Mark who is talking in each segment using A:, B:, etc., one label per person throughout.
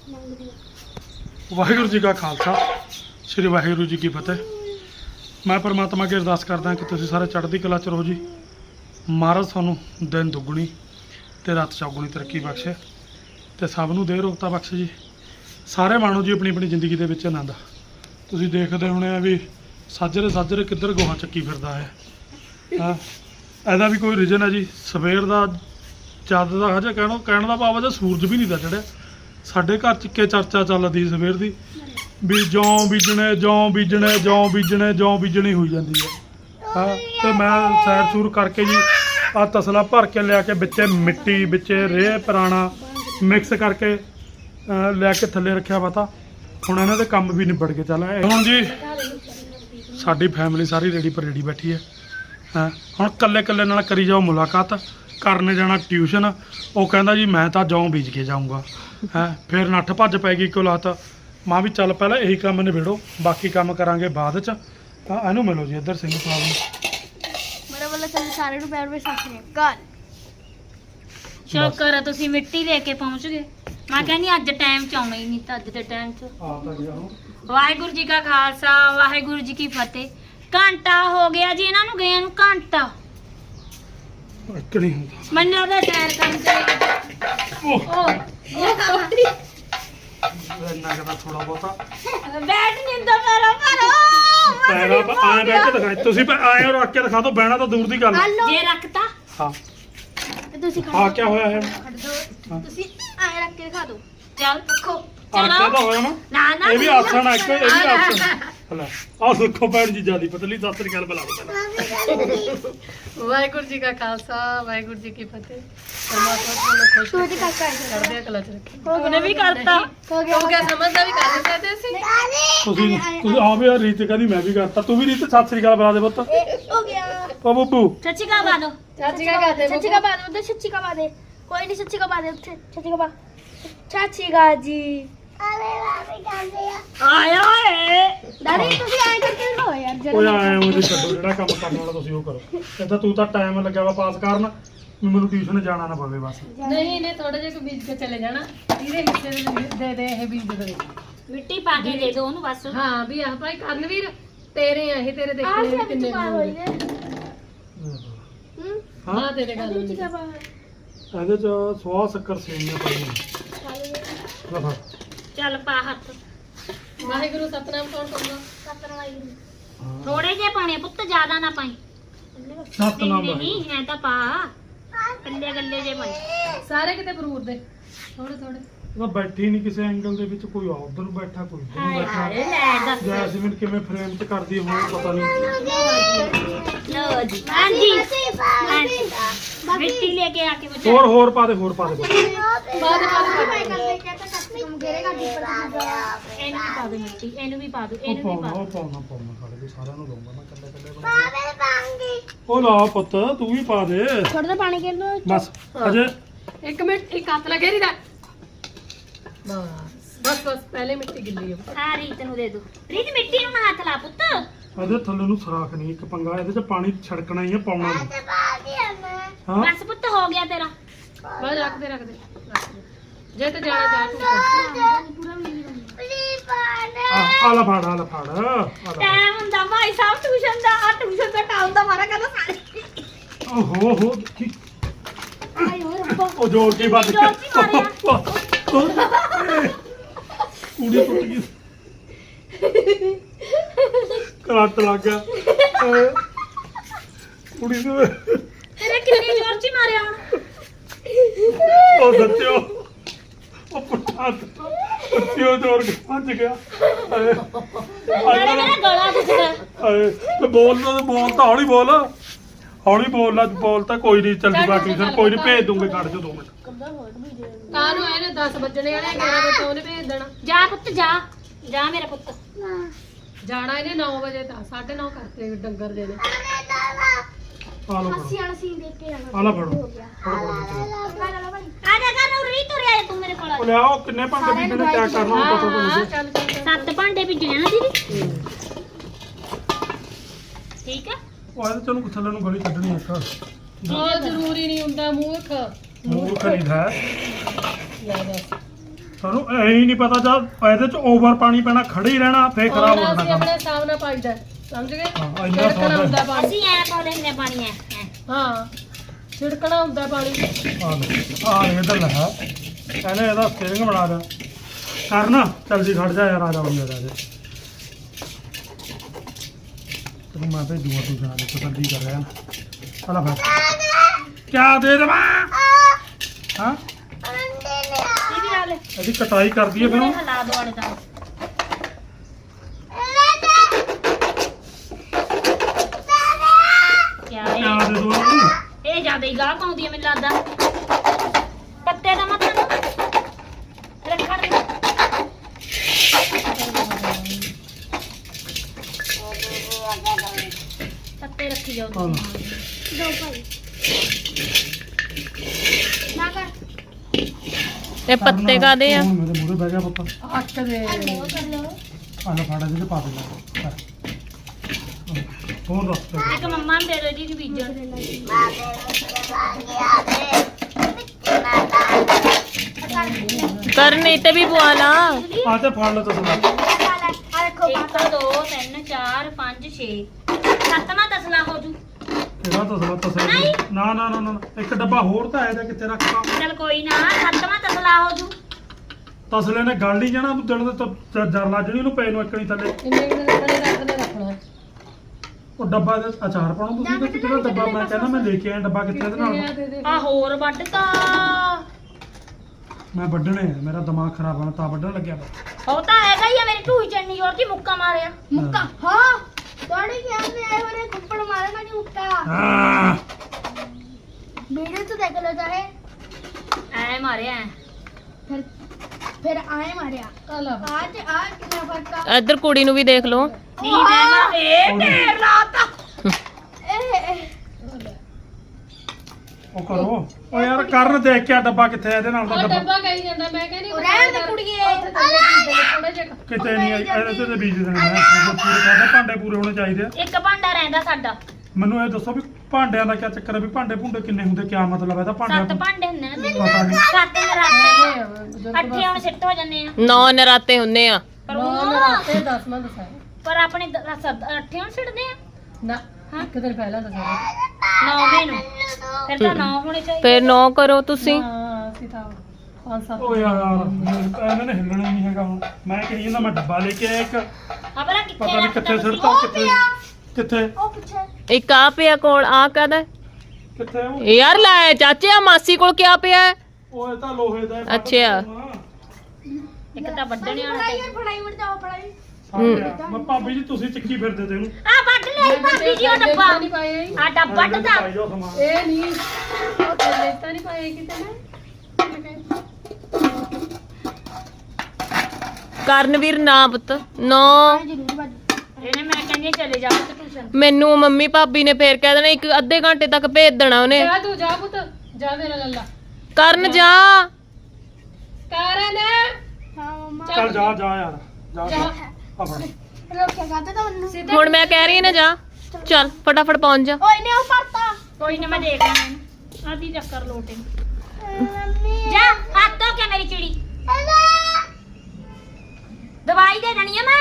A: ਵਾਹਿਗੁਰੂ ਜੀ ਕਾ ਖਾਲਸਾ ਸ੍ਰੀ ਵਾਹਿਗੁਰੂ ਜੀ ਕੀ ਫਤਿਹ। ਮੈਂ ਪਰਮਾਤਮਾ ਅੱਗੇ ਅਰਦਾਸ ਕਰਦਾ ਕਿ ਤੁਸੀਂ ਸਾਰੇ ਚੜ੍ਹਦੀ ਕਲਾ ਚ ਰਹੋ ਜੀ। ਮਹਾਰਾਜ ਤੁਹਾਨੂੰ ਦਿਨ ਦੁੱਗਣੀ ਤੇ ਰਾਤ ਚੌਗੁਣੀ ਤਰੱਕੀ ਬਖਸ਼ੇ ਤੇ ਸਭ ਨੂੰ ਦੇ ਰੋਗਤਾ ਬਖਸ਼ੇ ਜੀ। ਸਾਰੇ ਮਾਣੋ ਜੀ ਆਪਣੀ ਆਪਣੀ ਜ਼ਿੰਦਗੀ ਦੇ ਵਿੱਚ ਆਨੰਦ। ਤੁਸੀਂ ਦੇਖਦੇ ਹੋਣੇ ਆ ਵੀ ਸਾਜਰੇ ਸਾਜਰੇ ਕਿੱਧਰ ਗੋਹਾ ਚੱਕੀ ਫਿਰਦਾ ਹੈ। ਹਾਂ, ਇਹਦਾ ਵੀ ਕੋਈ ਰੀਜ਼ਨ ਹੈ ਜੀ। ਸਵੇਰ ਦਾ ਜਦ ਦਾ ਹਜੇ ਕਹਿਣ ਦਾ ਭਾਵ ਹੈ ਸੂਰਜ ਵੀ ਨਹੀਂ ਤਾਂ ਚੜਿਆ। ਸਾਡੇ ਘਰ 'ਚ ਕੇ ਚਰਚਾ ਚੱਲਦੀ ਸਵੇਰ ਦੀ ਵੀ ਜੌਂ ਬੀਜਣੇ ਹੋਈ ਜਾਂਦੀ ਹੈ। ਹਾਂ, ਤੇ ਮੈਂ ਸੈਰ ਸੂਰ ਕਰਕੇ ਜੀ ਆ ਤਸਲਾ ਭਰ ਕੇ ਲਿਆ ਕੇ ਵਿੱਚੇ ਮਿੱਟੀ ਵਿੱਚੇ ਰੇਹ ਪੁਰਾਣਾ ਮਿਕਸ ਕਰਕੇ ਲੈ ਕੇ ਥੱਲੇ ਰੱਖਿਆ ਵਾ। ਤਾਂ ਹੁਣ ਇਹਨਾਂ ਦੇ ਕੰਮ ਵੀ ਨਿਬੜ ਕੇ ਚੱਲ ਹੁਣ ਜੀ ਸਾਡੀ ਫੈਮਿਲੀ ਸਾਰੀ ਰੇੜੀ ਪਰ ਰੇੜੀ ਬੈਠੀ ਹੈ। ਹਾਂ, ਹੁਣ ਕੱਲੇ ਨਾਲ ਕਰੀ ਜਾਓ ਮੁਲਾਕਾਤ। ਕਰਨ ਜਾਣਾ ਟਿਊਸ਼ਨ, ਉਹ ਕਹਿੰਦਾ ਜੀ ਮੈਂ ਤਾਂ ਜੌਂ ਬੀਜ ਕੇ ਜਾਊਂਗਾ। ਹੈ ਫਿਰ ਨੱਠ ਭੱਜ ਪੈ ਗਈ ਕੋਲਾਤ। ਮਾਂ ਵੀ ਚੱਲ ਪਹਿਲਾਂ ਇਹੀ ਕੰਮ ਨਿਬੇੜੋ, ਬਾਕੀ ਕੰਮ ਕਰਾਂਗੇ ਬਾਅਦ ਚ। ਤਾਂ ਇਹਨੂੰ ਮਿਲੋ ਜੀ ਇੱਧਰ ਸਿੰਘ ਸਾਹਿਬ ਨੂੰ।
B: ਮੇਰੇ ਵੱਲੋਂ ਚੱਲ ਸਾਰੇ ਨੂੰ ਪੈਰ ਵਿੱਚ ਸੱਚ ਨੇ ਗੱਲ।
C: ਸ਼ੁਕਰ ਆ ਤੁਸੀਂ ਮਿੱਟੀ ਦੇ ਕੇ ਪਹੁੰਚ ਗਏ। ਮੈਂ ਕਹਿੰਦੀ ਅੱਜ ਟਾਈਮ ਚ ਆਉਣਾ ਹੀ ਨਹੀਂ ਤਾਂ ਅੱਜ ਦੇ ਟਾਈਮ ਚ।
A: ਆ ਤਾਂ ਗਿਆ ਹੁਣ।
C: ਵਾਹਿਗੁਰੂ ਜੀ ਕਾ ਖਾਲਸਾ ਵਾਹਿਗੁਰੂ ਜੀ ਕੀ ਫਤਿਹ। ਘੰਟਾ ਹੋ ਗਿਆ ਜੀ ਇਹਨਾਂ ਨੂੰ ਗਏ ਨੂੰ, ਘੰਟਾ।
A: ਇੱਕ ਨਹੀਂ ਹੁੰਦਾ।
C: ਮੈਨੂੰ ਲੱਗਦਾ ਸੈਰ ਕਰਨ ਤੇ
A: ਇੰਨਾ ਕਦਾ ਥੋੜਾ ਬਹੁਤਾ
C: ਬੈਠ ਨਹੀਂ ਹੁੰਦਾ ਮੇਰਾ
A: ਪੈਰਾਂ ਆਏ ਬੈਠ ਕੇ ਦਿਖਾਈ। ਤੁਸੀਂ ਆਏ ਰੱਖ ਕੇ ਦਿਖਾ ਦਿਓ, ਬਹਿਣਾ ਤਾਂ ਦੂਰ ਦੀ ਗੱਲ ਹੈ।
C: ਜੇ ਰੱਖਤਾ
A: ਹਾਂ
B: ਤੇ ਤੁਸੀਂ
A: ਹਾਂ ਕੀ ਹੋਇਆ ਹੈ?
B: ਖੜ ਦੋ। ਤੁਸੀਂ ਐਂ ਰੱਖ ਕੇ ਦਿਖਾ ਦਿਓ।
C: ਚੱਲ ਰੱਖੋ
A: ਆਖਿਆ ਤਾਂ ਹੋਇਆ ਨਾ।
C: ਨਾ
A: ਇਹ ਵੀ ਆਸਣ ਹੈ ਇੱਕ, ਇਹ ਵੀ ਆਸਣ। ਹਲਾ ਆਹ ਦੇਖੋ ਭੈਣ ਜੀ ਜਿਆਦੀ ਪਤਲੀ। ਸਤਿ ਸ੍ਰੀ ਅਕਾਲ ਬੁਲਾ ਲਓ।
D: ਵਾਹਿਗੁਰੂ ਜੀ ਕਾ ਖਾਲਸਾ ਵਾਹਿਗੁਰੂ ਜੀ ਕੀ ਫਤਿਹ। ਪਰਮਾਤਮਾ ਤੁਹਾਨੂੰ ਖੁਸ਼
B: ਛੋਟੀ ਕਾਕਾ
D: ਕਰਦੇ ਕਲਾ ਚ ਰੱਖੇ।
C: ਉਹਨੇ ਵੀ ਕਰਤਾ।
B: ਹੋ ਗਿਆ
D: ਹੋ ਗਿਆ, ਸਮਝਦਾ ਵੀ ਕਰ ਸਕਦੇ ਅਸੀਂ।
A: ਤੁਸੀਂ ਆ ਵੀ ਰੀਤ ਕਹਿੰਦੀ ਮੈਂ ਵੀ ਕਰਤਾ। ਤੂੰ ਵੀ ਰੀਤ ਸਤਿ ਸ੍ਰੀ ਅਕਾਲ ਬੁਲਾ ਦੇ ਪੁੱਤ।
B: ਹੋ ਗਿਆ।
A: ਓ ਬੱਬੂ
C: ਸੱਚੀ ਕਾ ਬਾਦੋ
D: ਚਾਚੀ ਕਾ ਕਰਦੇ
B: ਸੱਚੀ ਕਾ ਬਾਦ ਉੱਤੇ ਸੱਚੀ ਕਾ ਬਾਦ ਕੋਈ ਨਹੀਂ। ਸੱਚੀ ਕਾ ਬਾਦ ਉੱਥੇ ਸੱਚੀ ਕਾ ਬਾਦ ਚਾਚੀ ਗਾ ਜੀ।
C: ਆਇਆ ਓਏ
B: ਦਾਦੀ ਤੁਸੀਂ ਐਂ ਕਰਕੇ ਦਿਖਾਓ ਯਾਰ
A: ਓਏ
B: ਜਰਾ।
A: ਆਏ ਉਹਦੇ ਛੱਡੋ, ਜਿਹੜਾ ਕੰਮ ਕਰਨ ਵਾਲਾ ਤੁਸੀਂ ਉਹ ਕਰੋ। ਕਹਿੰਦਾ ਤੂੰ ਤਾਂ ਟਾਈਮ ਲੱਗਿਆ ਵਾ ਪਾਸ ਕਰਨ, ਵੀ ਮੈਨੂੰ ਟਿਊਸ਼ਨ ਜਾਣਾ ਨਾ ਪਵੇ ਬਸ।
D: ਨਹੀਂ ਇਹਨੇ ਥੋੜਾ ਜਿਹਾ ਬੀਜ ਕੇ ਚਲੇ ਜਾਣਾ। ਇਹਦੇ ਹਿੱਸੇ ਦੇ ਇਹ ਬੀਜ ਦੇ।
C: ਮਿੱਟੀ ਪਾ ਕੇ ਦੇ ਦੋ ਉਹਨੂੰ ਬਸ।
D: ਹਾਂ ਵੀ ਆਹ ਭਾਈ ਕਰਨਵੀਰ ਤੇਰੇ ਆ ਇਹ, ਤੇਰੇ ਦੇਖਣੇ ਵੀ ਕਿੰਨੇ ਹੋਣਗੇ।
A: ਹਾਂ
D: ਹਾਂ ਤੇਰੇ ਗੱਲ
B: ਸੱਚੀ ਕਾ ਬਾਦ
A: ਇਹਦੇ ਚ ਸਵਾਹ ਸ਼ੱਕਰ ਸੇਵੀਆਂ ਪਾਈਆਂ। ਲੈ ਫੜ।
C: ਚੱਲ ਪਾ ਹੱਥ।
D: ਵਾਹਿਗੁਰੂ ਸਤਨਾਮ ਕੌਣ ਕਰਦਾ?
A: ਹਾਂ।
C: ਥੋੜੇ ਜਿਹੇ ਪਾਣੇ ਪੁੱਤ, ਜ਼ਿਆਦਾ ਨਾ ਪਾਈ।
A: ਸਤਨਾਮ
C: ਨਹੀਂ ਐ ਤਾਂ ਪਾ ਕੱਲੇ ਗੱਲੇ ਜੇ ਪਾਈ।
D: ਸਾਰੇ ਕਿਤੇ ਫਰੂਟ ਦੇ ਥੋੜੇ ਥੋੜੇ।
A: ਉਹ ਬੈਠੀ ਨਹੀਂ ਕਿਸੇ ਐਂਗਲ ਦੇ ਵਿੱਚ, ਕੋਈ ਉਧਰ ਨੂੰ ਬੈਠਾ ਕੋਈ ਇੱਧਰ ਨੂੰ
C: ਹਾਏ
A: ਬੈਠਾ।
C: ਹਾਏ ਲੈ ਦੱਸ।
A: ਜੈਸਮੀਨ ਕਿਵੇਂ ਫਰੇਮ ਚ ਕਰਦੀ ਹੋਵੇ ਪਤਾ ਨਹੀਂ।
C: ਲਓ ਜੀ ਹਾਂਜੀ ਮਿੱਟੀ ਲੈ ਕੇ ਆ ਕੇ ਬੱਚਾ।
A: ਹੋਰ ਪਾ ਦੇ, ਹੋਰ ਪਾ ਦੇ।
D: ਬਾਅਦ
B: ਇਹਨੂੰ
C: ਇਹਨੂੰ ਵੀ ਪਾ ਦੋ ਮਿੱਟੀ, ਇਹਨੂੰ ਵੀ ਪਾ ਦੋ,
A: ਉਹ
C: ਇਹਨੂੰ ਵੀ ਪਾ
A: ਪਾਉਣਾ
C: ਦੋ।
A: ਸਾਡੇ ਵੀ ਸਾਰਿਆਂ ਨੂੰ ਦਊਂਗਾ ਮੈਂ ਕੱਲੇ ਬਣਾ। ਉਹ ਲਾ ਪੁੱਤ ਤੂੰ ਵੀ ਪਾ ਦੇ
B: ਥੋੜਾ ਜਿਹਾ ਪਾਣੀ ਕੇ ਲੋ।
A: ਬਸ। ਅਜੇ
D: ਇੱਕ ਮਿੰਟ ਇੱਕ ਹੱਥ ਲਗੇ ਨਹੀਂ ਦਾ। ਬਸ ਪਹਿਲੇ ਮਿੱਟੀ ਗਿੱਲੀ ਹੋ।
C: ਆ ਰੀਤ ਨੂੰ ਦੇ ਦੋ। ਰੀਤ ਮਿੱਟੀ ਨੂੰ ਨਾ ਹੱਥ ਲਾ ਪੁੱਤ।
A: ਇਹਦੇ ਥੱਲੇ ਨੂੰ ਸਰਾਖ ਨਹੀਂ, ਇੱਕ ਪੰਗਾ ਇਹਦੇ ਚ ਪਾਣੀ ਛੜਕਣਾ ਹੀ ਹੈ, ਪਾਉਣਾ ਨਹੀਂ। ਹਾਂ
C: ਬਸ ਪੁੱਤ ਹੋ ਗਿਆ ਤੇਰਾ।
D: ਬਸ ਰੱਖ ਦੇ ਜੇ ਤੇ ਜਾਣਾ ਜਾ ਤੂੰ।
A: ਆ ਲੈ ਫੜ, ਆ ਲੈ ਫੜ, ਆ ਲੈ।
C: ਟਾਈਮ ਹੁੰਦਾ ਭਾਈ ਸਾਹਿਬ ਟਿਊਸ਼ਨ ਦਾ। ਆ ਟਿਊਸ਼ਨ ਦਾ ਟਾਈਮ ਦਾ ਮਾਰਾ ਕਹਿੰਦਾ ਸਾਰੇ।
A: ਓਹੋ ਹੋ ਕੀ
B: ਆਈ ਹੋਰ ਰੱਬਾ।
A: ਉਹ ਜੋਰ ਕੀ ਵੱਜ
C: ਜ਼ੋਰ ਦੀ ਮਾਰਿਆ।
A: ਕੁੜੀ ਟੁੱਟ ਗਈ, ਕਰੰਟ ਲੱਗ ਗਿਆ। ਕੁੜੀ ਨੂੰ
C: ਤੇਰੇ ਕਿੰਨੀ ਜ਼ੋਰ ਚ ਮਾਰਿਆ ਹੁਣ।
A: ਉਹ ਸੱਚਿਓ ਉਹ ਪੁੱਠਾ ਸੱਚਿਓ ਜੋਰ ਕੇ ਭੱਜ ਗਿਆ।
C: ਨਾਲੇ ਮੇਰਾ ਗਲਾ ਦੁਖਦਾ।
A: ਤੇ ਬੋਲ ਤਾਂ ਹੌਲੀ ਬੋਲ, ਹੌਲੀ ਬੋਲ ਤਾਂ ਕੋਈ ਨਹੀਂ। ਚੱਲ ਜੂਗਾ ਟਿਊਸ਼ਨ, ਕੋਈ ਨਹੀਂ ਭੇਜ ਦੂੰਗੇ। ਕੱਢ ਜੋ 2 ਮਿੰਟ।
D: ਕਾਹਨੂੰ ਇਹਨੇ 10 ਵੱਜਣੇ ਵਾਲੇ 11 ਵਜੇ ਤੋਂ ਉਹਨੇ ਭੇਜ ਦੇਣਾ।
C: ਜਾ ਪੁੱਤ ਜਾ ਮੇਰਾ ਪੁੱਤ।
D: ਜਾਣਾ ਇਹਨੇ 9 ਵਜੇ ਤਾਂ 9:30 ਕਰਤੇ ਡੰਗਰ ਦੇ ਨੇ।
A: ਆ ਲੋ
B: ਹੱਸੀ ਵਾਲਾ ਸੀਨ ਦੇਖ ਕੇ ਜਾਣਾ।
A: ਆ ਲੈ ਫੜੋ।
B: ਹੋ ਗਿਆ।
C: ਆ ਜਾ ਕਰ ਨੂੰ ਰੀਤ ਉਰੇ ਆ ਜਾ ਤੂੰ ਮੇਰੇ ਕੋਲ ਆ
A: ਉਹ
C: ਜਾ।
A: ਲਿਆਓ ਕਿੰਨੇ ਭਾਂਡੇ ਬੀਜਣੇ, ਕਿਆ ਕਰਨਾ ਉਹ ਪਤਾ ਤਾਂ
D: ਹਾਂ
A: ਲੱਗੇ।
D: ਚੱਲ
C: 7 ਭਾਂਡੇ ਭਿੱਜਣੇ ਨਾ ਦੀਦੀ। ਠੀਕ ਆ।
A: ਉਹ ਇਹਦੇ ਚੋਂ ਥੱਲੇ ਨੂੰ ਗਲੀ ਕੱਢਣੀ ਇੱਕ।
D: ਬਹੁਤ ਜ਼ਰੂਰੀ ਨਹੀਂ ਹੁੰਦਾ ਮੂਰਖ।
A: ਮੂੰਹ ਖਰੀਦ ਹੈ।
D: ਲੈ ਦੱਸ
A: ਸਾਨੂੰ ਐ ਹੀ ਨਹੀਂ ਪਤਾ ਜਦ ਇਹਦੇ ਚ ਓਵਰ ਪਾਣੀ ਪੈਣਾ ਖੜੇ ਹੀ ਰਹਿਣਾ ਫੇਰ ਖਰਾਬ ਹੋ
D: ਅਸੀਂ
A: ਜਾਣਾ
D: ਆਪਣੇ ਹਿਸਾਬ ਨਾਲ ਪਾਈਦਾ ਸਮਝ ਗਏ
A: ਹਾਂ, ਇੰਨਾ
D: ਛਿੜਕਣਾ ਹੁੰਦਾ ਪਾਣੀ
C: ਅਸੀਂ ਐ ਪਾ ਲੈਂਦੇ ਪਾਣੀ ਐ
D: ਹਾਂ ਛਿੜਕਣਾ ਹੁੰਦਾ ਪਾਣੀ
A: ਆ ਇਧਰ ਲਗਾ ਕਹਿੰਦੇ ਇਹਦਾ ਸਟੀਅਰਿੰਗ ਬਣਾ ਦੇ ਕਰਨਾ ਜਲਦੀ ਖੜ ਜਾ ਯਾਰ ਆ ਜਾ ਬੰਦੇ ਦਾ ਤੈਨੂੰ ਮੈਂ ਭੇਜੂਗਾ ਤੂੰ ਸੁਣਾ ਦੇ ਤਸੱਲੀ ਕਰ ਰਿਹਾ ਚਲਾ ਫਿਰ ਕਿਆ ਦੇ ਦੇਵਾਂ ਹਾਂ
B: ਦੀਦੀ ਨਾਲ
A: ਇਹਦੀ ਕਟਾਈ ਕਰਦੀ ਹੈ ਫਿਰ ਉਹ
C: ਹਿਲਾ ਦੋ ਆਲੇ ਤਾਂ ਕਿਆ
A: ਕਿਆ
C: ਇਹ
A: ਦੇ ਦੋ ਇਹਨੂੰ
C: ਇਹ ਜ਼ਿਆਦਾ ਹੀ ਗਾਹ ਪਾਉਂਦੀ ਐ ਮੈਨੂੰ ਲੱਗਦਾ ਪੱਤੇ ਦਾ ਮਤਲਬ ਰੱਖਣ ਦੇ ਪੱਤੇ ਰੱਖੀ ਜਾਓ
A: ਹਾਂ
C: ਤੁਸੀਂ।
B: ਦੋ ਭਾਈ ਨਾ ਕਰ
E: ਇਹ ਪੱਤੇ ਕਾਦੇ ਆ?
A: ਹੁਣ ਮੇਰੇ ਮੂਹਰੇ ਬਹਿ ਗਿਆ ਪੁੱਤ
D: ਅੱਟ ਦੇ
B: ਉਹ ਕਰ ਲਓ
A: ਆਹ ਲੈ ਫਾੜਾ ਜਿਹਦੇ ਪਾ ਦੇ ਲੈ ਹੋਰ ਦੱਸ
C: ਇੱਕ ਮੰਮਾ ਨੂੰ ਦੇ ਦਿਓ ਜੀ ਬੀਜਣ
E: ਕਰਨੀ ਤੇ ਵੀ ਪਵਾ ਲਾ।
A: ਆ ਤੇ ਫੜ ਲਓ ਤੁਸੀਂ
B: ਆ ਦੇਖੋ
C: 1 2 3 4 5 6 ਸੱਤਵਾਂ ਤਸਲਾ ਹੋ ਜੂ
A: ਇਹਦਾ ਤਸਲਾ ਤਸਲਾ ਨਾ ਨਾ ਨਾ ਨਾ ਇੱਕ ਡੱਬਾ ਹੋਰ ਤਾਂ ਇਹਦਾ ਕਿੱਥੇ ਰੱਖਤਾ
C: ਚਲ ਕੋਈ ਨਾ ਸੱਤਵਾਂ ਤਸਲਾ ਹੋ ਜੂ
A: ਤਸਲੇ ਨੇ ਗਲ ਨਹੀਂ ਜਾਣਾ ਦਿਨ ਦੇ ਤੋਂ ਜਰ ਲੱਜਣੀ ਉਹਨੂੰ ਪੈ ਨੂੰ ਇੱਕਣੀ ਥੱਲੇ
D: ਇੰਨੇ ਦਿਨ ਖੜੇ ਰੱਖਣਾ
A: ਉਹ ਡੱਬਾ ਦੇ ਅਚਾਰ ਪਾਉਣਾ ਤੁਸੀਂ ਤੇ ਕਿਹੜਾ ਡੱਬਾ ਮੈਂ ਕਹਿੰਦਾ ਮੈਂ ਲੈ ਕੇ ਆਇਆ ਡੱਬਾ ਕਿੱਥੇ ਇਹਦੇ ਨਾਲ
D: ਦੇ ਦੇ
C: ਆ ਹੋਰ ਵੱਢਤਾ
A: ਮੈਂ ਵੱਢਣੇ ਆ ਮੇਰਾ ਦਿਮਾਗ ਖਰਾਬ ਹੋਣਾ ਤਾਂ ਵੱਢਣ ਲੱਗਿਆ ਵਾ।
C: ਉਹ ਤਾਂ ਹੈਗਾ ਹੀ ਆ ਮੇਰੀ ਢੂਹੀ ਚੰਨੀ ਹੋਰ ਕੀ ਮੁੱਕਾ ਮਾਰਿਆ
B: ਮੁੱਕਾ ਹਾਂ ਤੁਹਾਡੇ ਖਿਆਲ में आए होने थप्पड़ मारे ना नहीं मुक्का
A: ਹਾਂ
B: वीडियो तो देख लो चाहे
C: ਐ ਮਾਰਿਆ ਐ।
B: फिर आए मारे
D: ਆਲਾ
B: आज आज कितना फर्क था
E: ਇੱਧਰ ਕੁੜੀ ਨੂੰ ਵੀ ਦੇਖ ਲਓ।
C: ਨੀ ਮੈਂ ਮਾਰੇ ਢੇਰ ਲਾਤਾ
A: ਉਹ ਕਰੋ ਉਹ ਯਾਰ ਕਰਨ ਦੇਖ ਕੇ ਆ ਡੱਬਾ ਕਿੱਥੇ ਆ ਇਹਦੇ ਨਾਲ ਦਾ
D: ਉਹ
A: ਡੱਬਾ
D: ਡੱਬਾ ਕਹੀ ਜਾਂਦਾ ਮੈਂ ਕਹਿੰਦੀ
B: ਰਹਿਣ ਦੇ ਕੁੜੀਏ
D: ਥੋੜਾ ਜਿਹਾ
A: ਕਿਤੇ ਨਹੀਂ ਇਹਦੇ ਤੇ ਬੀਜ ਦੇਣੇ ਮੈਂ ਪੂਰੇ ਕਰਦੇ ਭਾਂਡੇ ਪੂਰੇ ਹੋਣੇ ਚਾਹੀਦੇ ਆ
C: ਇੱਕ ਭਾਂਡਾ ਰਹਿੰਦਾ ਸਾਡਾ
A: ਮੈਨੂੰ ਇਹ ਦੱਸੋ ਵੀ ਭਾਂਡਿਆਂ ਦਾ ਕੀ ਚੱਕਰ ਹੈ ਵੀ ਭਾਂਡੇ ਭੁੰਡੇ ਕਿੰਨੇ ਹੁੰਦੇ ਕੀ ਮਤਲਬ ਹੈ ਇਹਦਾ
C: ਸੱਤ
A: ਭਾਂਡਿਆਂ
C: ਭਾਂਡੇ ਹੁੰਦੇ ਨੇ
A: ਪਤਾ ਨਹੀਂ
C: ਸੱਤ ਨਰਾਤੇ ਅੱਠੇ ਹੁਣ ਸਿੱਟ ਹੋ ਜਾਂਦੇ ਆ
E: 9 ਨਰਾਤੇ ਹੁੰਨੇ ਆ।
C: ਪਰ
D: ਨੌ
C: ਉਹ
D: ਨਰਾਤੇ 10ਵਾਂ ਦੱਸਾਂ
C: ਪਰ ਆਪਣੇ ਅੱਠੇ ਹੁਣ ਸਿੱਟਦੇ ਆ
D: ਨਾ ਇੱਕ ਦਿਨ ਪਹਿਲਾਂ ਦੱਸਾਂ
C: 9ਵੇਂ ਨੂੰ ਫਿਰ ਤਾਂ 9 ਹੋਣੇ ਚਾਹੀਦੇ
E: ਫਿਰ 9 ਕਰੋ ਤੁਸੀਂ।
D: ਹਾਂ ਅਸੀਂ ਤਾਂ 5-7
A: ਓ ਯਾਰ ਇਹਨਾਂ ਨੇ ਹਿੱਲਣਾ ਹੀ ਨਹੀਂ ਹੈਗਾ ਹੁਣ ਮੈਂ ਕਹੀ ਜਾਂਦਾ ਮੈਂ ਡੱਬਾ ਲੈ ਕੇ ਆਇਆ ਇੱਕ
C: ਆਪਣਾ ਕਿੱਥੇ
A: ਪਤਾ ਨਹੀਂ ਕਿੱਥੇ ਸਿੱਟਤਾ ਕਿੱਥੇ
B: ओ पीछे
E: ਇੱਕ ਆ ਪਿਆ ਕੋਲ ਆ ਕਾਹਦਾ?
A: ਕਿੱਥੇ ਉਹ
E: ਯਾਰ ਲੈ ਚਾਚੇ ਆ ਮਾਸੀ ਕੋਲ ਕਿਆ ਪਿਆ ਹੈ?
A: ਉਹ ਇਹ ਤਾਂ ਲੋਹੇ ਦਾ ਹੈ,
E: ਅੱਛਾ।
C: ਇੱਕ ਤਾਂ ਵੱਢਣੇ ਵਾਲਾ
B: पढ़ाई और पढ़ाई मत जाओ पढ़ाई
A: ਮੈਂ ਭਾਬੀ ਜੀ ਤੁਸੀਂ ਚੱਕੀ ਫਿਰਦੇ ਤੇ ਇਹਨੂੰ
C: ਆ ਵੱਢ ਲਿਆ ਭਾਬੀ ਜੀ ਉਹ ਡੱਬਾ
D: ਨਹੀਂ ਪਾਇਆ ਹੀ।
C: ਆ ਡੱਬਾ ਵੱਢਦਾ
A: ਪਾਈ ਜਾਓ ਸਮਾਨ
D: ਇਹ ਨਹੀਂ ਉਹ ਥੱਲੇ ਤਾਂ ਨਹੀਂ ਪਾਇਆ ਕਿਤੇ ਨਾ
E: ਕਰਨਵੀਰ ਨਾ ਪੁੱਤ 9
B: जरूर बात
C: ਇਹਨੇ ਮੈਂ ਕਹਿੰਦੀ ਹਾਂ ਚਲੇ ਜਾਓ ਤੇ ਟਿਊਸ਼ਨ
E: ਮੈਨੂੰ ਮੰਮੀ ਭਾਬੀ ਨੇ ਫੇਰ ਕਹਿ ਦੇਣਾ ਇੱਕ ਅੱਧੇ ਘੰਟੇ ਤੱਕ ਭੇਜ ਦੇਣਾ ਉਹਨੇ।
D: ਜਾ ਤੂੰ ਜਾ ਪੁੱਤ ਜਾ ਮੇਰਾ ਲੱਲਾ
E: ਕਰਨ ਜਾ।
D: ਕਾਰਨ
B: हाँ मम्मा
A: ਚੱਲ ਜਾ ਜਾ ਯਾਰ ਜਾ ਜਾ ਆ ਫੜ
B: लोग क्या कहते थे उन्होंने
E: ਹੁਣ ਮੈਂ ਕਹਿ ਰਹੀ ਹਾਂ ਨਾ ਜਾ ਚੱਲ ਫਟਾਫਟ ਪਹੁੰਚ ਜਾ।
B: ओए नहीं पड़ता
C: ਕੋਈ ਨਾ ਮੈਂ ਦੇਖ ਲੈਣਾ ਆਦੀ ਚੱਕਰ ਲੋਟੇ
B: मम्मी
C: ਜਾ ਹੱਥ ਧੋ ਕੇ ਮੇਰੀ ਚਿੜੀ ਦਵਾਈ ਦੇ ਦੇਣੀ ਆ ਮੈਂ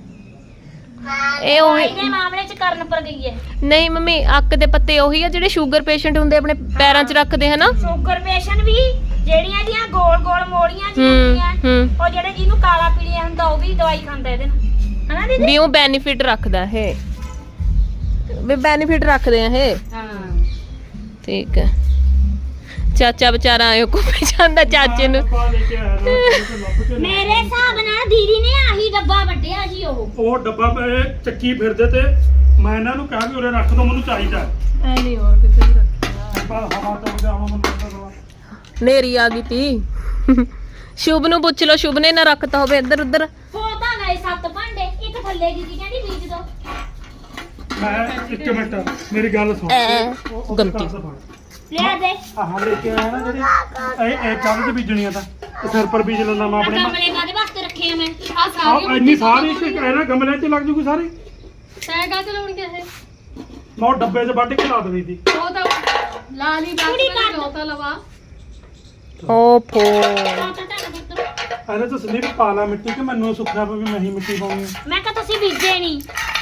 E: ਇਹ ਉਹੀ
C: ਦਵਾਈ ਦੇ ਮਾਮਲੇ ਚ ਕਰਨ ਪਰ ਗਈ ਹੈ
E: ਨਹੀਂ ਮੰਮੀ ਅੱਕ ਦੇ ਪੱਤੇ ਉਹੀ ਆ ਜਿਹੜੇ ਸ਼ੂਗਰ ਪੇਸ਼ੈਂਟ ਹੁੰਦੇ ਆਪਣੇ ਪੈਰਾਂ 'ਚ ਰੱਖਦੇ ਹਨਾ।
C: ਸ਼ੂਗਰ ਪੇਸ਼ੈਂਟ ਵੀ ਜਿਹੜੀਆਂ ਦੀਆਂ ਗੋਲ ਗੋਲ ਮੋੜੀਆਂ
E: ਹੂੰ
C: ਜਿਹੜੀਆਂ
E: ਹੂੰ
C: ਉਹ ਜਿਹੜੇ ਜਿਹਨੂੰ ਕਾਲਾ ਪੀਲੀਆ ਹੁੰਦਾ ਉਹ ਵੀ ਦਵਾਈ ਖਾਂਦਾ ਇਹਦੇ ਨਾਲ ਹਨਾ ਦੀਦੀ
E: ਵੀ ਉਹ ਬੈਨੀਫਿਟ ਰੱਖਦਾ ਇਹ ਵੀ ਬੈਨੀਫਿਟ ਰੱਖਦੇ ਆ ਇਹ।
C: ਹਾਂ
E: ਠੀਕ ਹੈ ਚਾਚਾ ਵਿਚਾਰਾ ਆਇਓ ਘੁੰਮੇ ਜਾਂਦਾ ਚਾਚੇ ਨੂੰ।
A: ਡੱਬਾ ਲੈ ਕੇ ਆਇਆ ਤਾਂ ਲੱਭ ਕੇ ਲਿਆ।
C: ਮੇਰੇ ਹਿਸਾਬ ਨਾਲ ਦੀਦੀ ਨੇ ਆਹੀ ਡੱਬਾ ਵੱਢਿਆ ਜੀ ਉਹ
A: ਡੱਬਾ ਇਹ ਚੱਕੀ ਫਿਰਦੇ ਤੇ ਮੈਂ ਇਹਨਾਂ ਨੂੰ ਕਿਹਾ ਵੀ ਉਰੇ ਰੱਖ ਦੋ ਮੈਨੂੰ ਚਾਹੀਦਾ
D: ਐ ਨਹੀਂ ਹੋਰ ਕਿਤੇ ਵੀ ਰੱਖਿਆ
A: ਪਰ ਹਵਾ ਤੋਂ ਉਹਦੇ ਆਉਣਾ ਮੈਨੂੰ ਪਤਾ
E: ਨੇਰੀ ਆ ਗਈ ਤੀ। ਸ਼ੁਭ ਨੂੰ ਪੁੱਛ ਲਓ ਸ਼ੁਭ ਨੇ ਨਾ ਰੱਖਤਾ ਹੋਵੇ ਇੱਧਰ ਉੱਧਰ।
C: ਹੋ ਤਾਂ ਗਏ 7 ਭਾਂਡੇ ਇੱਕ ਥੱਲੇ ਦੀਦੀ ਕਹਿੰਦੀ ਬੀਜ ਦੋ
A: ਮੈਂ ਇੱਕ ਮਿੰਟ ਮੇਰੀ ਗੱਲ ਸੁਣ ਉਹ
E: ਗਲਤੀ।
A: ਘਰ ਤੋਂ ਫੜ।
C: ਲਿਆ ਦੇ
A: ਆਹ ਲੈ ਕੇ ਆਇਆ ਨਾ ਜਿਹੜੀ ਇਹ ਕਾਹਦੇ ਚ ਬੀਜਣੀਆਂ ਤਾਂ ਇਹ ਸਿਰ ਪਰ ਬੀਜ ਲੈਂਦਾ ਮੈਂ ਆਪਣੇ
C: ਗਮਲੇ ਕਾਦੇ ਵਾਸਤੇ ਰੱਖੇ ਆ ਮੈਂ
D: ਆ ਸਾਰੀ
A: ਆਹ ਇੰਨੀ ਸਾਰੀ ਇੱਕ ਇਹਨਾਂ ਗਮਲੇ 'ਚ ਲੱਗ ਜੂਗੀ ਸਾਰੀ
D: ਤੈਂ ਕਾ ਚਲਾਉਣੀ ਇਹ
A: ਮੈਂ ਉਹ ਡੱਬੇ 'ਚ ਵੱਢ ਕੇ ਲਾ ਦੇਣੀ ਸੀ
D: ਉਹ ਤਾਂ ਲਾਲੀ ਬਾਤ
C: ਕੁੜੀ
D: ਵਿੱਚ
C: ਕਰ।
D: ਜੋ ਤਾਂ ਲਵਾ
E: ਓਫੋ
A: ਇਹਨੇ ਤਾਂ ਸੰਦੀਪ ਪਾ ਲਾ ਮਿੱਟੀ ਕਿ ਮੈਨੂੰ ਸੁੱਖਿਆ ਪਵੇ ਵੀ ਮੈਂ ਹੀ ਮਿੱਟੀ ਪਾਉਣੀ ਆ।
C: ਮੈਂ ਕਿਹਾ ਤੁਸੀਂ ਬੀਜੇ ਨਹੀਂ।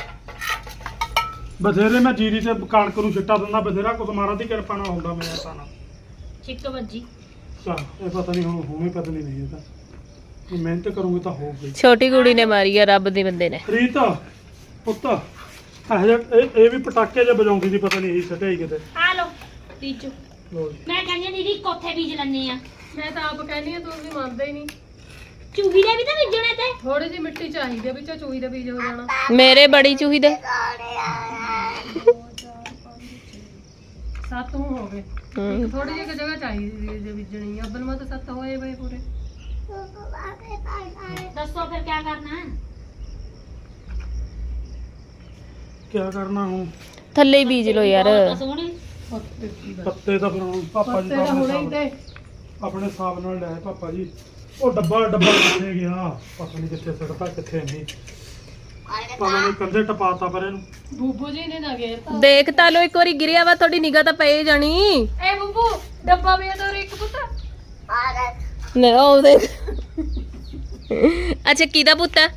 A: ਬਥੇਰੇ ਮੈਂ ਜੀਰੀ ਤੇ ਕਣਕ ਨੂੰ ਛਿੱਟਾ ਦਿੰਦਾ, ਬਥੇਰਾ ਕੁਝ ਮਾਰਾ ਦੀ ਕਿਰਪਾ ਨਾਲ ਹੁੰਦਾ ਮੇਰਾ ਤਾਂ ਨਾ।
C: ਛਿੱਕ ਵੱਜੀ।
A: ਚਲ ਇਹ ਪਤਾ ਨਹੀਂ ਹੁਣ ਹੋਵੇਂ ਪਤਾ ਨਹੀਂ ਇਹ ਤਾਂ ਜੇ ਮਿਹਨਤ ਕਰੂੰਗੇ ਤਾਂ ਹੋਊਗੀ।
E: ਛੋਟੀ ਕੁੜੀ ਨੇ ਮਾਰੀ ਆ ਰੱਬ ਦੇ ਬੰਦੇ ਨੇ।
A: ਰੀਤ ਪੁੱਤ ਇਹ ਵੀ ਪਟਾਕੇ ਜੇ ਵਜਾਉਂਦੀ ਸੀ, ਪਤਾ ਨਹੀਂ ਇਹ ਸਟਾਈ ਕਿਤੇ।
C: ਆ ਲਓ ਬੀਜੋ।
A: ਲਓ ਜੀ।
C: ਮੈਂ ਕਹਿੰਦੀ ਹਾਂ ਦੀਦੀ ਕੋਥੇ ਬੀਜ ਲੈਣੇ ਆ।
D: ਮੈਂ ਤਾਂ ਆਪ ਕਹਿੰਦੀ ਆ, ਤੂੰ ਵੀ ਮੰਨਦਾ ਹੀ ਨਹੀਂ।
C: ਚੂਹੀ ਦੇ ਵੀ ਤਾਂ ਬੀਜਣੇ ਤੇ।
D: ਥੋੜੀ ਜਿਹੀ ਮਿੱਟੀ ਚਾਹੀਦੀ ਆ, ਵਿੱਚੋਂ ਚੂਹੀ ਦਾ ਬੀਜ ਹੋ ਜਾਣਾ।
E: ਮੇਰੇ ਬੜੀ ਚੂਹੀ ਦੇ
D: 7 ਹੋ ਗਏ।
E: ਹੂੰ।
D: ਥੋੜੀ ਜਿਹੀ ਜਗ੍ਹਾ ਚਾਹੀਦੀ ਜੇ ਬੀਜਣੀ ਆ। ਅੱਬਲ ਮਾ ਤਾਂ 7 ਹੋਏ ਬਈ ਪੂਰੇ।
C: ਦੱਸੋ ਫਿਰ ਕੀ ਕਰਨਾ ਹੈ?
A: ਕਿਆ ਕਰਨਾ ਹੁਣ?
E: ਥੱਲੇ ਹੀ ਬੀਜ ਲੋ ਯਾਰ।
C: ਤਾਂ ਸੋਹਣੇ।
A: ਪੱਤੇ ਤਾਂ ਫਿਰ ਹੁਣ ਪਾਪਾ ਜੀ
D: ਪੱਤੇ ਤਾਂ ਹੁਣੇ ਹੀ ਤੇ
A: ਆਪਣੇ ਹਿਸਾਬ ਨਾਲ ਲੈ ਪਾਪਾ ਜੀ। ਉਹ ਡੱਬਾ ਕਿੱਥੇ ਗਿਆ ਪਤਾ ਨਹੀਂ, ਕਿੱਥੇ ਸੜਦਾ ਕਿੱਥੇ ਨਹੀਂ, ਪਤਾ ਨਹੀਂ ਕੰਧੇ ਟਪਾਤਾ ਪਰ ਇਹਨੂੰ।
D: ਬੂਬੂ ਜੀ ਨੇ ਨਾ ਗਏ ਤਾਂ।
E: ਦੇਖ ਤਾਂ ਲੋ ਇੱਕ ਵਾਰੀ ਗਿਰਿਆ ਵਾ, ਤੁਹਾਡੀ ਨਿਗਾਹ ਤਾਂ ਪਏ ਜਾਣੀ।
D: ਏ ਬੂਬੂ ਡੱਬਾ ਵੀ ਇਹਦਾ ਇੱਕ ਪੁੱਤ।
E: ਨਾ ਉਹ ਦੇਖ। ਅੱਛਾ ਕਿਹਦਾ ਪੁੱਤ ਆ?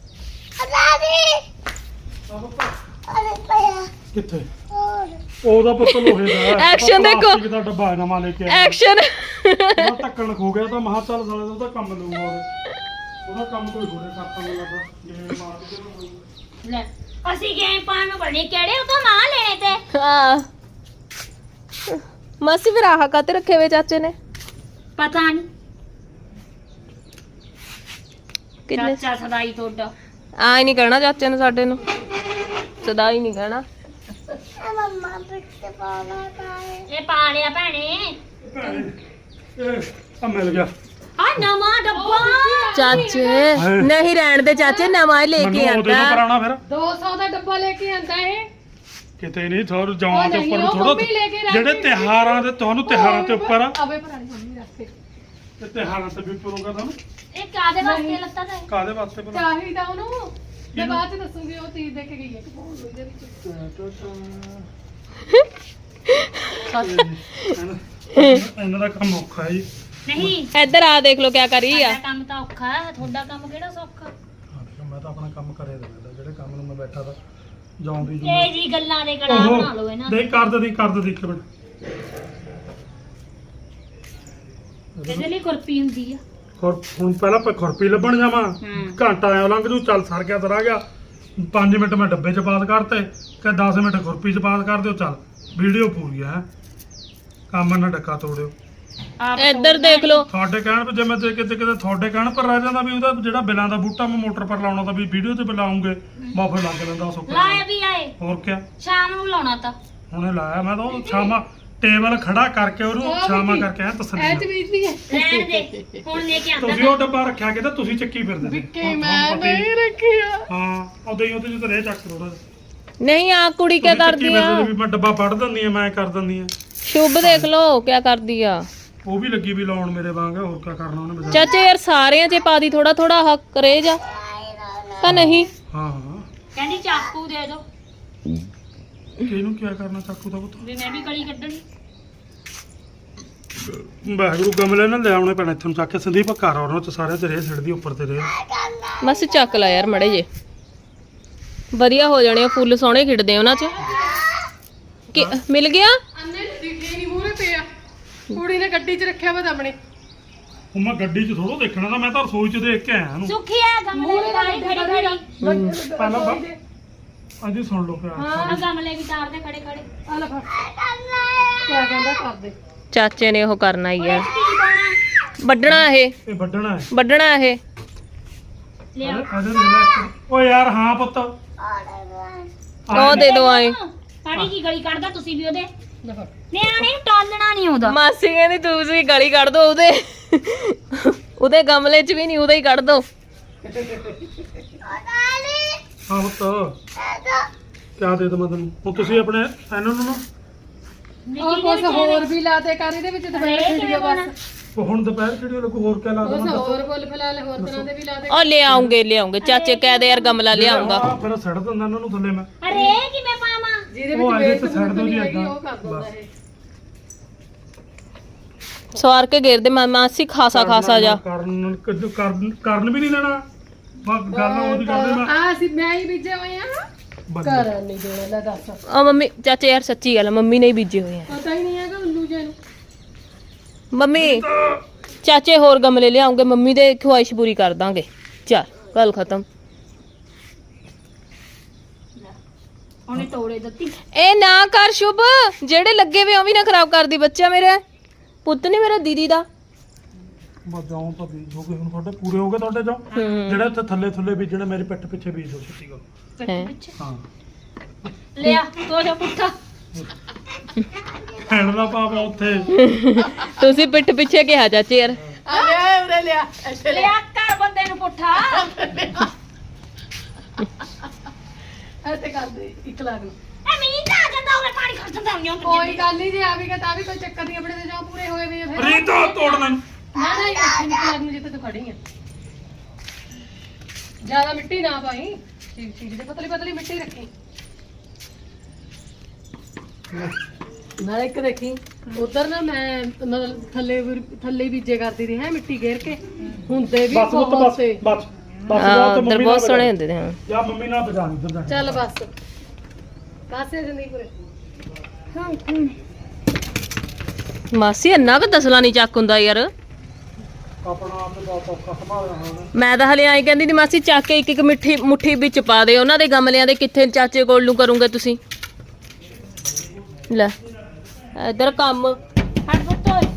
A: ਕਿੱਥੇ ਉਹਦਾ ਪੁੱਤ ਲੋਹੇ ਦਾ
E: Action ਦੇਖੋ।
A: ਪਲਾਸਟਿਕ ਦਾ ਡੱਬਾ ਨਵਾਂ ਲੈ ਕੇ ਆਇਆ।
E: ਐਕਸ਼ਨ।
A: ਉਹਦਾ ਢੱਕਣ ਖੋ ਗਿਆ ਤਾਂ ਮਹਾ ਚੱਲ ਸਾਲੇ ਦਾ ਉਹਦਾ ਕੰਮ ਲਊਗਾ ਉਹਦਾ ਕੰਮ ਕੋਈ ਹੋਰੇ ਕਰਤਾ ਮੈਨੂੰ ਲੱਗਦਾ ਜੇ ਮਾਰ ਕੇ ਨਾ
C: ਲੈ ਅਸੀਂ ਗਏ ਪਾਣ ਨੂੰ ਬਣੇ ਕਿਹੜੇ ਉਹ ਤਾਂ ਮਾਂ ਲੈਣੇ ਤੇ।
E: ਹਾਂ ਮਾਸੀ ਫਿਰ ਆਹ ਕਾਤੇ ਰੱਖੇ ਵੇ ਚਾਚੇ ਨੇ?
C: ਪਤਾ ਨਹੀਂ।
E: ਕਿੰਨੇ
C: ਚਾਚਾ ਸਦਾਈ ਤੁਹਾਡਾ।
E: ਆਈ ਨਹੀਂ ਕਹਿਣਾ ਚਾਚੇ ਨੂੰ, ਸਾਡੇ ਨੂੰ ਸਦਾ ਹੀ ਨਹੀਂ ਕਹਿਣਾ।
C: ਇਹ ਪਾ ਲਿਆ ਭੈਣੇ।
A: ਇਹ ਆ ਮਿਲ ਗਿਆ
C: ਆ ਨਵਾਂ ਡੱਬਾ।
E: ਚਾਚੇ ਨਹੀਂ ਰਹਿਣ ਦੇ ਚਾਚੇ, ਨਵਾਂ ਹੀ ਲੈ ਕੇ
A: ਮੈਨੂੰ ਉਹਦੇ ਨੂੰ
E: ਆਂਦਾ।
A: ਕਰਾਉਣਾ ਫਿਰ
D: 200 ਦਾ ਡੱਬਾ ਲੈ ਕੇ ਆਂਦਾ ਇਹ।
A: ਕਿਤੇ ਨਹੀਂ ਥੋੜਾ ਜਾਵਾਂ ਦੇ
D: ਉਹ
A: ਉੱਪਰ
D: ਨਹੀਂ, ਉਹ
A: ਥੋੜਾ
D: ਮੰਮੀ ਲੈ ਕੇ ਰੱਖ
A: ਜਿਹੜੇ
D: ਗਈ।
A: ਤਿਹਾਰਾਂ ਦੇ ਤੁਹਾਨੂੰ ਤਿਹਾਰਾਂ ਤੇ ਉੱਪਰ ਆ
D: ਆਵੇ ਪੁਰਾਣੀ ਮੰਮੀ ਰੱਖੇ।
A: ਤੇ ਤਿਹਾਰਾਂ ਤੇ ਵੀ ਉੱਪਰੋਂ ਤੁਹਾਨੂੰ
C: ਇਹ ਕਾਦੇ ਵਾਸਤੇ ਲੱਤਾ ਤੇ?
A: ਕਾਦੇ ਵਾਸਤੇ ਬਣਾ
D: ਚਾਹੀਦਾ ਉਹਨੂੰ। ਮੈਂ ਬਾਅਦ ਚ ਦੱਸੂਗੀ, ਉਹ ਚੀਜ਼ ਦੇ ਕੇ ਗਈ ਹੈ ਕਿ ਬਹੁਤ ਉਹਦੇ ਵਿੱਚ।
A: ਇਹਨਾਂ ਦਾ ਕੰਮ ਔਖਾ ਹੈ ਜੀ।
C: ਨਹੀਂ
E: ਇੱਧਰ ਆ ਦੇਖ ਲੋ ਕਿਆ ਕਰੀ ਆ।
C: ਸਾਡਾ ਕੰਮ ਤਾਂ ਔਖਾ ਹੈ, ਤੁਹਾਡਾ ਕੰਮ ਕਿਹੜਾ ਸੌਖਾ?
A: ਹਾਂ ਦੇਖੋ ਮੈਂ ਤਾਂ ਆਪਣਾ ਕੰਮ ਕਰੇ ਦਿੰਦਾ, ਜਿਹੜੇ ਕੰਮ ਨੂੰ ਮੈਂ ਬੈਠਾ ਤਾਂ ਜਾਉਂਦੀ
C: ਇਹ ਜੀ ਗੱਲਾਂ ਦੇ ਕੜਾ ਬਣਾ ਲਓ ਇਹਨਾਂ
A: ਦੇ ਕਰ ਦੇ ਇੱਕ ਮਿੰਟ।
C: ਇਹਦੇ ਲਈ ਕੁਰਪੀ ਹੁੰਦੀ ਆ।
A: ਹੁਣ ਪਹਿਲਾਂ ਖੁਰਪੀ ਲੱਭਣ ਜਾਵਾਂ, ਘੰਟਾ ਆਇਆ ਲੰਘ ਜੂ, ਚੱਲ ਸਰ ਗਿਆ ਤਰ ਗਿਆ। 5 ਮਿੰਟ ਮੈਂ ਡੱਬੇ ਚ ਪਾਸ ਕਰਤੇ ਕਿ 10 ਮਿੰਟ ਖੁਰਪੀ ਚ ਪਾਸ ਕਰ ਦਿਓ, ਚੱਲ ਵੀਡੀਓ ਪੂਰੀ ਹੈ। ਕੰਮ ਨਾ ਡੱਕਾ ਤੋੜਿਓ।
C: ਆਪ
E: ਇੱਧਰ ਦੇਖ ਲੋ।
A: ਤੁਹਾਡੇ ਕਹਿਣ ਪਰ ਜੇ ਮੈਂ ਕਿਤੇ ਤੁਹਾਡੇ ਕਹਿਣ ਪਰ ਰਹਿ ਜਾਂਦਾ ਵੀ ਉਹਦਾ ਜਿਹੜਾ ਬਿਲਾਂ ਦਾ ਬੂਟਾ ਮੈਂ ਮੋਟਰ ਪਰ ਲਾਉਣਾ ਤਾਂ ਵੀ ਵੀਡੀਓ ਤੇ ਬੁਲਾਉਂਗੇ ਮਾਫੇ ਲੱਗ ਲੈਂਦਾ ਸੁੱਕਾ।
C: ਲਾਇਆ ਵੀ ਆਏ
A: ਹੋਰ ਕਿਆ
C: ਸ਼ਾਮ ਨੂੰ ਲਾਉਣਾ ਤਾਂ।
A: ਹੁਣੇ ਲਾਇਆ ਮੈਂ ਤਾਂ ਉਹ ਸ਼ਾਮਾਂ ਟੇਬਲ ਖੜਾ ਕਰਕੇ ਉਹਨੂੰ ਸ਼ਾਮਾਂ ਕਰਕੇ ਆ
D: ਐ ਚ
A: ਤਸੱਲੀ।
D: ਬੀਜਦੀ ਹੈ।
C: ਰਹਿਣ ਦੇ ਹੁਣ ਲੈ ਕੇ ਆਂਦਾ।
A: ਤੁਸੀਂ ਉਹ ਡੱਬਾ ਰੱਖਿਆ ਕਿਤੇ ਤੁਸੀਂ ਚੱਕੀ ਫਿਰਦੇ ਨੇ।
D: ਕਿ ਮੈਂ ਨਹੀਂ ਰੱਖਿਆ।
A: ਹਾਂ ਉਹਦੇ ਜਿੱਤੇ ਰਹਿ ਚੱਕ ਥੋੜਾ
E: ਨਹੀਂ ਆ ਕੁੜੀ ਕਿਆ ਕਰਦੀ ਆ?
A: ਵੀ ਮੈਂ ਡੱਬਾ ਫੜ ਦਿੰਦੀ ਆ, ਮੈਂ ਕਰ ਦਿੰਦੀ ਆ।
E: ਸ਼ੁਭ ਦੇਖ ਲੋ ਕਿਆ ਕਰਦੀ ਆ।
A: ਉਹ ਵੀ ਲੱਗੀ ਵੀ ਲਾਉਣ ਮੇਰੇ ਵਾਂਗ, ਹੋਰ ਕੀ ਕਰਨਾ ਉਹਨੇ ਬਚਾ।
E: ਚਾਚੇ ਯਾਰ ਸਾਰਿਆਂ 'ਚ ਪਾ ਦੀ ਥੋੜਾ ਥੋੜਾ ਹੱਕ ਕਰੇ ਜਾ ਤਾਂ ਨਹੀਂ।
A: ਹਾਂ ਹਾਂ
C: ਕਹਿੰਦੀ ਚਾਕੂ ਦੇ ਦਿਓ
A: ਕਿਹਨੂੰ ਕੀ ਕਰਨਾ ਚਾਕੂ ਦਾ ਪੁੱਤ?
C: ਵੀ ਮੈਂ ਵੀ ਕਲੀ ਕੱਢਣੀ।
A: ਵਾਹਿਗੁਰੂ ਗਮਲੇ ਨਾਲ ਲੈ ਆਉਣੇ ਪੈਣਾ ਇੱਥੋਂ ਚੱਕ ਕੇ। ਸੰਦੀਪ ਘਰ ਉਹਨਾਂ ਚ ਸਾਰੇ ਤੇ ਰੇ ਛੱਡਦੀ ਉੱਪਰ ਤੇ ਰੇ।
E: ਬਸ ਚੱਕ ਲੈ ਯਾਰ ਮੜੇ ਜੇ, ਵਧੀਆ ਹੋ ਜਾਣੇ ਆ, ਫੁੱਲ ਸੋਹਣੇ ਖਿੜਦੇ ਆ ਉਹਨਾਂ 'ਚ। ਕਿ ਮਿਲ ਗਿਆ?
D: ਅੰਨੇ ਦਿਖੇ ਨਹੀਂ ਮੂਹਰੇ ਪਿਆ। ਕੁੜੀ ਨੇ ਗੱਡੀ 'ਚ ਰੱਖਿਆ ਵਾ ਆਪਣੇ।
A: ਉਹ ਮੈਂ ਗੱਡੀ 'ਚ ਥੋੜੋ ਦੇਖਣਾ ਤਾਂ, ਮੈਂ ਤਾਂ ਰਸੋਈ 'ਚ ਦੇਖ ਕੇ ਆਇਆ ਇਹਨੂੰ।
C: ਸੁੱਖੀ ਆ ਗਮਲੇ ਤਾਰੇ ਖੜੀ ਖੜੀ।
A: ਪਹਿਲਾਂ ਅੱਜ ਸੁਣ ਲਓ ਪਿਆ।
C: ਆ ਗਮਲੇ ਵੀ ਤਾਰ ਦੇ ਖੜੇ ਖੜੇ।
D: ਆ ਲੈ ਫੜ। ਕਿਆ ਕਹਿੰਦਾ ਕਰ ਦੇ।
E: ਚਾਚੇ ਨੇ ਉਹ ਕਰਨਾ ਹੀ ਆ,
C: ਕੀ ਪਾਉਣਾ?
E: ਵੱਢਣਾ ਇਹ,
A: ਇਹ ਵੱਢਣਾ ਹੈ।
E: ਵੱਢਣਾ ਇਹ।
C: ਲਿਆਓ
A: ਅਜੇ ਰਿਲੈਕਸ। ਓ ਯਾਰ ਹਾਂ ਪੁੱਤ
E: ਉਹ ਦੇ ਦੋ ਆਏ।
C: ਪਾਣੀ ਕੀ ਗਲੀ ਕੱਢਦਾ ਤੁਸੀਂ ਵੀ ਉਹਦੇ।
D: ਲੈ ਫੜ।
C: ਨਿਆਣੇ ਨੂੰ ਟਾਲਣਾ ਨਹੀਂ ਆਉਂਦਾ।
E: ਮਾਸੀ ਕਹਿੰਦੀ ਤੁਸੀਂ ਗਲੀ ਕੱਢ ਦੋ ਉਹਦੇ ਗਮਲੇ 'ਚ ਵੀ ਨਹੀਂ, ਉਹਦਾ ਹੀ ਕੱਢ ਦੋ।
A: ਹਾਂ ਪੁੱਤ ਕਿਆ ਦੇ ਦਵਾਂ ਤੈਨੂੰ ਹੁਣ? ਤੁਸੀਂ ਆਪਣੇ ਇਹਨਾਂ ਨੂੰ ਨਾ
D: ਉਹ ਕੁਛ ਹੋਰ ਵੀ ਲਾ ਦੇ ਕਰ ਇਹਦੇ ਵਿੱਚ ਦੁਪਹਿਰ ਖੇਡੀਓ ਬਸ।
A: ਉਹ ਹੁਣ ਦੁਪਹਿਰ ਕਿਹੜੀ ਲੱਗੂ, ਹੋਰ ਕਿਆ ਲਾ
D: ਕੁਛ
A: ਦੇਵਾਂ?
D: ਹੋਰ ਫੁੱਲ ਫਲਾਲ ਹੋਰ ਤਰ੍ਹਾਂ ਦੇ ਵੀ ਲਾ ਦੇ।
E: ਉਹ ਲਿਆਉਂਗੇ ਚਾਚੇ ਕਹਿ ਦੇ ਯਾਰ ਗਮਲਾ ਲਿਆਉਂਗਾ।
A: ਫਿਰ ਸੜ ਦਿੰਦਾ ਇਹਨਾਂ ਨੂੰ ਥੱਲੇ ਮੈਂ।
C: ਅਰੇ ਕਿਵੇਂ ਪਾਵਾਂ?
D: ਜਿਹਦੇ
A: ਉਹ
D: ਵਿੱਚ
A: ਇਹਦੇ
D: ਵੇਚ
A: ਤੇ ਛੱਡ ਦਿਓ ਜੀ
D: ਹੈਗੀ
A: ਏਦਾਂ।
D: ਉਹ ਕਰ ਦਿੰਦਾ
A: ਬਸ।
D: ਇਹ।
E: ਸਵਾਰ ਕੇ ਘੇਰਦੇ ਮਾਸੀ ਖਾਸਾ ਜਾ
A: ਕਰਨ ਵੀ ਨਹੀਂ ਦੇਣਾ ਬਸ ਗੱਲ ਉਹਦੀ ਕਰਦੇ ਮੈਂ
D: ਆ ਅਸੀਂ ਮੈਂ ਹੀ ਬੀਜੇ ਹੋਏ ਆ ਘਰ ਨਹੀਂ ਦੇਣਾ ਲੈ ਦੱਸ
E: ਆ ਮੰਮੀ ਚਾਚੇ ਯਾਰ ਸੱਚੀ ਗੱਲ ਆ, ਮੰਮੀ ਨੇ ਹੀ ਬੀਜੇ ਹੋਏ ਆ।
D: ਪਤਾ ਹੀ ਨਹੀਂ ਹੈਗਾ ਉੱਲੂ ਜੇ ਨੂੰ
E: ਮੰਮੀ ਚਾਚੇ ਹੋਰ ਗਮਲੇ ਲਿਆਉਂਗੇ, ਮੰਮੀ ਦੇ ਖੁਆਇਸ਼ ਪੂਰੀ ਕਰ ਦਾਂਗੇ। ਚੱਲ ਗੱਲ ਖਤਮ।
C: ਉਹਨੇ ਤੋੜੇ ਦਿੱਤੀ।
E: ਇਹ ਨਾ ਕਰ ਸ਼ੁਭ, ਜਿਹੜੇ ਲੱਗੇ ਵੇ ਉਹ ਵੀ ਨਾ ਖਰਾਬ ਕਰਦੀ। ਬੱਚਾ ਮੇਰਾ ਪੁੱਤ ਨਹੀਂ, ਮੇਰਾ ਦੀਦੀ ਦਾ।
A: ਬਸ ਜਾਉਂ ਤਾਂ ਬੀਜ ਹੋ ਗਏ ਹੁਣ ਤੁਹਾਡੇ ਪੂਰੇ ਹੋ ਗਏ ਤੁਹਾਡੇ ਜਾਉ ਜਿਹੜੇ ਇੱਥੇ ਥੱਲੇ ਬੀਜਣੇ ਮੇਰੇ ਪਿੱਠ ਪਿੱਛੇ ਬੀਜ ਹੋ ਛੱਤੀ ਗੱਲ
E: ਹੈਂ।
A: ਹਾਂ
C: ਲਿਆ ਤੋ ਜਾ ਪੁੱਠਾ।
A: ਹੈਣ ਦਾ ਪਾਪਾ ਉੱਥੇ
E: ਤੁਸੀਂ ਪਿੱਠ ਪਿੱਛੇ ਕਿਹਾ ਚਾਚੇ ਯਾਰ।
D: ਆ ਲਿਆ ਉਰੇ ਲਿਆ ਇੱਥੇ
C: ਲਿਆ ਕਰ ਬੰਦੇ ਨੂੰ ਪੁੱਠਾ।
D: ਇੱਥੇ ਕਰ ਦੇ 1 ਲੱਖ ਨੂੰ।
C: ਐ ਮੀਂਹ ਤਾਂ ਆ ਜਾਂਦਾ ਉਹਨੇ ਪਾਣੀ ਖਰਚ ਦਿੰਦਾ ਨਹੀਂ
D: ਕੋਈ ਗੱਲ ਨਹੀਂ ਜੇ ਆ ਵੀ ਗਿਆ ਤਾਂ ਵੀ ਕੋਈ ਚੱਕਰ ਨਹੀਂ, ਆਪਣੇ ਤੇ ਜਾਓ ਪੂਰੇ ਹੋਏ ਵੇ ਆ ਫਿਰ।
A: ਰੀਤਾ ਤੋੜਨਾ ਨੂੰ
D: ਨਾ ਨਾ 1 ਲੱਖ ਨੂੰ ਜਿੱਥੇ ਤੂੰ ਖੜੀ ਆ। ਜ਼ਿਆਦਾ ਮਿੱਟੀ ਨਾ ਪਾਈ, ਠੀਕ ਠੀਕ ਦੇ ਪਤਲੀ ਪਤਲੀ ਮਿੱਟੀ ਰੱਖੀ। ਨਾਲ ਇੱਕ ਦੇਖੀ ਉਧਰ ਨਾ ਮੈਂ ਮਤਲਬ ਥੱਲੇ ਬੀਜੇ ਕਰਦੀ ਰਹੀ ਹੈ ਮਿੱਟੀ ਘੇਰ ਕੇ, ਹੁੰਦੇ ਵੀ
A: ਬਸ ਉਹ ਤਾਂ
D: ਬਹੁਤ
A: ਬਸ
D: ਸੇ।
A: ਬਸ
E: ਹਾਂ
A: ਤੇ
E: ਉਧਰ
A: ਮੰਮੀ
E: ਬਹੁਤ
A: ਨਾਲ
E: ਸੋਹਣੇ ਹੁੰਦੇ ਨੇ। ਹਾਂ
A: ਜਾਂ ਮੰਮੀ ਨਾਲ ਬਜਾ ਨਹੀਂ ਦਿੰਦਾ
D: ਚੱਲ ਬਸ ਕਾਸੇ ਜ਼ਿੰਦਗੀ ਪੂਰੇ।
E: ਮਾਸੀ ਇੰਨਾ ਕੁ ਦਸਲਾ ਨਹੀਂ ਚੱਕ ਹੁੰਦਾ ਯਾਰ।
A: ਆਪਣਾ ਆਪ ਤੇ ਬਹੁਤ ਔਖਾ ਸੰਭਾਲਿਆ ਹੋਣਾ
E: ਮੈਂ ਤਾਂ ਹਲੇ ਆਈ ਕਹਿੰਦੀ ਦੀ ਮਾਸੀ ਚੱਕ ਕੇ ਇੱਕ ਮੁੱਠੀ ਵਿੱਚ ਪਾ ਦੇ ਉਹਨਾਂ ਦੇ ਗਮਲਿਆਂ ਦੇ। ਕਿੱਥੇ ਚਾਚੇ ਕੋਲ ਨੂੰ ਕਰੋਗੇ ਤੁਸੀਂ? ਲੈ ਇਧਰ ਕੰਮ
C: ਹਟ ਪੁੱਤ ਓਏ।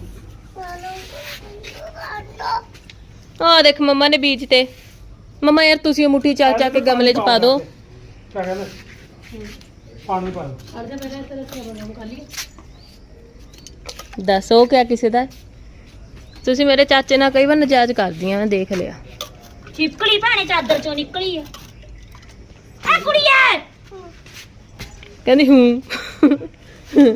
E: ਆ ਦੇਖ ਮੰਮਾ ਨੇ ਬੀਜ ਤੇ। ਮੰਮਾ ਯਾਰ ਤੁਸੀਂ ਉਹ ਮੁੱਠੀ ਚੱਕ ਕੇ ਗਮਲੇ 'ਚ ਪਾ ਦਿਓ।
A: ਕਿਆ ਕਹਿੰਦੇ ਪਾਣੀ ਪਾ ਦਿਓ।
D: ਅੜ ਜਾ ਮੇਰੇ ਤੇਰੇ ਸੇ ਬਣਾਉਂ ਖਾਲੀ।
E: ਦੱਸੋ ਕਿਆ ਕਿਸੇ ਦਾ? ਤੁਸੀਂ ਮੇਰੇ ਚਾਚੇ ਨਾਲ ਕਈ ਵਾਰ ਨਜਾਇਜ਼ ਕਰਦੀਆਂ, ਮੈਂ ਦੇਖ ਲਿਆ।
C: ਚਿਪਕਲੀ ਭਾਣੇ ਚਾਦਰ ਚੋਂ ਨਿਕਲੀ ਆ। ਆ ਕੁੜੀਏ
E: ਕਹਿੰਦੀ ਹੂੰ।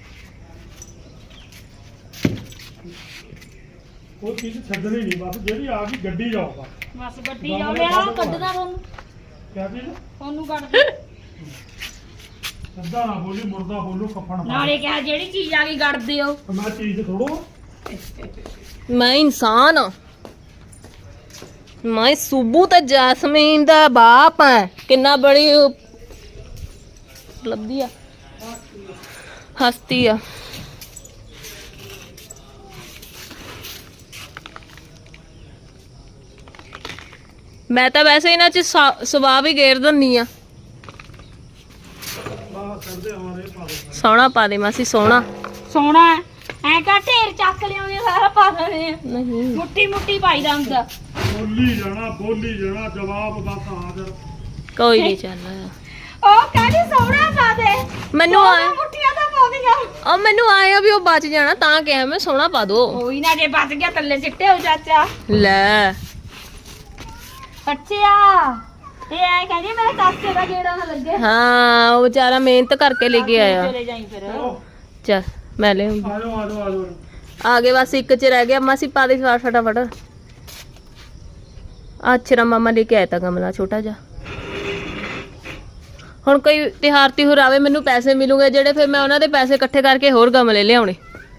A: ਉਹ ਚੀਜ਼ ਛੱਡਣੀ ਨਹੀਂ, ਬਸ ਜਿਹੜੀ ਆ ਗਈ ਗੱਡੀ ਜਾਊਗਾ।
C: ਬਸ ਗੱਡੀ ਜਾ ਲਿਆ ਕੱਢਦਾ ਤੁਹਾਨੂੰ।
A: ਕਿਆ ਚੀਜ਼
C: ਤੁਹਾਨੂੰ ਕੱਢ ਦੇ।
A: ਸਿੱਧਾ ਨਾ ਬੋਲੀ, ਮੁਰਦਾ ਬੋਲੂ ਕੱਫਣ ਪਾ
C: ਨਾਲੇ ਕਿਹਾ ਜਿਹੜੀ ਚੀਜ਼ ਆ ਗਈ ਕੱਢ ਦਿਓ।
A: ਮੈਂ ਚੀਜ਼ ਥੋੜੋ
E: ਮੈਂ ਇਨਸਾਨ ਆ। ਮੈਂ ਸੁਬੂ ਤੇ ਜੈਸਮੀਨ ਦਾ ਬਾਪ ਹੈ। ਕਿੰਨਾ ਬੜੀ ਲੱਭਦੀ ਆ, ਹਸਤੀ ਆ। ਮੈਂ ਤਾਂ ਵੈਸੇ ਇਹਨਾਂ 'ਚ ਸੁਭਾਅ ਵੀ ਗੇਰ ਦਿੰਨੀ ਆ। ਸੋਹਣਾ ਪਾ ਦੇ ਮਾਸੀ, ਸੋਹਣਾ
C: ਸੋਹਣਾ ਐ ਕਾ ਢੇਰ ਚੱਕ ਲਿਆਉਂਦੇ ਸਾਰਾ ਪਾ ਦਿੰਦੇ ਆ।
E: ਨਹੀਂ।
C: ਮੁੱਠੀ ਮੁੱਠੀ ਪਾਈਦਾ ਹੁੰਦਾ।
A: ਬੋਲੀ ਜਾਣਾ ਜਵਾਬ ਬਸ ਹਾਜ਼ਰ।
E: ਕੋਈ ਨਹੀਂ ਚੱਲ।
C: ਉਹ ਕਹਿੰਦੀ ਸੋਹਣਾ ਪਾ ਦੇ।
E: ਮੈਨੂੰ ਆਇਆ
C: ਮੁੱਠੀਆਂ ਤਾਂ ਪਾਉਂਦੀਆਂ।
E: ਉਹ ਮੈਨੂੰ ਆਇਆ ਵੀ ਉਹ ਬਚ ਜਾਣਾ, ਤਾਂ ਕਿਹਾ ਮੈਂ ਸੋਹਣਾ ਪਾ ਦੋ।
C: ਕੋਈ ਨਾ ਜੇ ਬਚ ਗਿਆ ਥੱਲੇ ਸਿੱਟੇ ਹੋ ਚਾਚਾ।
E: ਲੈ
C: ਅੱਛਾ ਇਹ ਐ ਕਹਿੰਦੀ ਮੇਰੇ ਚਾਚੇ ਦਾ ਗੇੜਾ ਨਾ ਲੱਗੇ।
E: ਹਾਂ ਉਹ ਵਿਚਾਰਾ ਮਿਹਨਤ ਕਰਕੇ ਲੈ ਕੇ ਆਇਆ।
C: ਚਲੇ ਜਾਈ ਫਿਰ।
E: ਚੱਲ ਮੈਂ ਲੈ
A: ਆਜੋ
E: ਆ ਗਏ, ਬਸ ਇੱਕ ਚ ਰਹਿ ਗਿਆ। ਮਾਸੀ ਪਾ ਦੇ ਫਟਾਫਟ। ਅੱਛਾ ਮਾਮਾ ਲੈ ਕੇ ਆਇਆ ਤਾਂ ਗਮਲਾ ਛੋਟਾ ਜਿਹਾ। ਹੁਣ ਕੋਈ ਤਿਉਹਾਰ ਆਵੇ, ਮੈਨੂੰ ਪੈਸੇ ਮਿਲੂਗੇ ਜਿਹੜੇ, ਫਿਰ ਮੈਂ ਉਹਨਾਂ ਦੇ ਪੈਸੇ ਇਕੱਠੇ ਕਰਕੇ ਹੋਰ ਗਮਲੇ ਲਿਆਉਣੇ।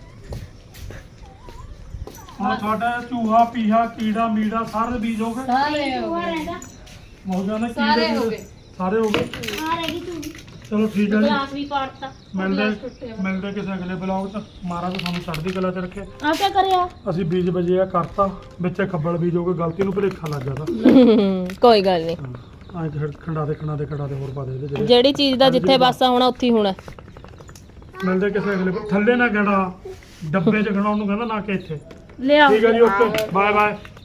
A: ਹੁਣ ਤੁਹਾਡਾ ਚੂਹਾ ਪੀਹਾ ਕੀੜਾ ਮੀੜਾ ਸਾਰੇ ਬੀਜ ਹੋ ਗਏ।
D: ਸਾਰੇ ਹੋ ਗਏ।
A: ਮੌਜਾਂ ਨੇ
D: ਸਾਰੇ ਹੋ ਗਏ।
A: ਸਾਰੇ ਹੋ ਗਏ।
C: ਆ ਰਹਿ ਗਈ ਤੂੰ।
A: ਚਲੋ ਠੀਕ ਹੈ ਜੀ,
C: ਗਲਾਸ ਵੀ ਪਾੜਤਾ।
A: ਮਿਲਦੇ ਕਿਸੇ ਅਗਲੇ ਬਲੌਗ 'ਚ। ਮਹਾਰਾਜ ਤੁਹਾਨੂੰ ਚੜ੍ਹਦੀ ਕਲਾ 'ਚ ਰੱਖੇ।
C: ਆ ਕੀ ਕਰਿਆ?
A: ਅਸੀਂ ਬੀਜ ਵਜੇ ਆ ਕਰਤਾ, ਵਿੱਚੇ ਖੱਬਲ ਬੀਜ ਹੋ ਗਏ, ਗਲਤੀ ਨੂੰ ਭੁਲੇਖਾ ਲੱਗ ਜਾਂਦਾ।
E: ਕੋਈ ਗੱਲ ਨਹੀਂ,
A: ਆਏ ਖੰਡਾ ਦੇ ਹੋਰ ਪਾ ਦੇ ਇਹਦੇ ਜਿਹੜੇ।
E: ਜਿਹੜੀ ਚੀਜ਼ ਦਾ ਜਿੱਥੇ ਵਾਸਾ ਹੋਣਾ ਉੱਥੇ ਹੀ ਹੋਣਾ।
A: ਮਿਲਦੇ ਕਿਸੇ ਅਗਲੇ ਥੱਲੇ ਨਾ ਗੜਾ ਡੱਬੇ 'ਚ ਖੜਾਉਣ ਨੂੰ ਕਹਿੰਦਾ, ਨਾ ਕਿ ਇੱਥੇ।
C: ਲਿਆ
A: ਠੀਕ ਹੈ ਜੀ, ਓਕੇ ਬਾਏ ਬਾਏ।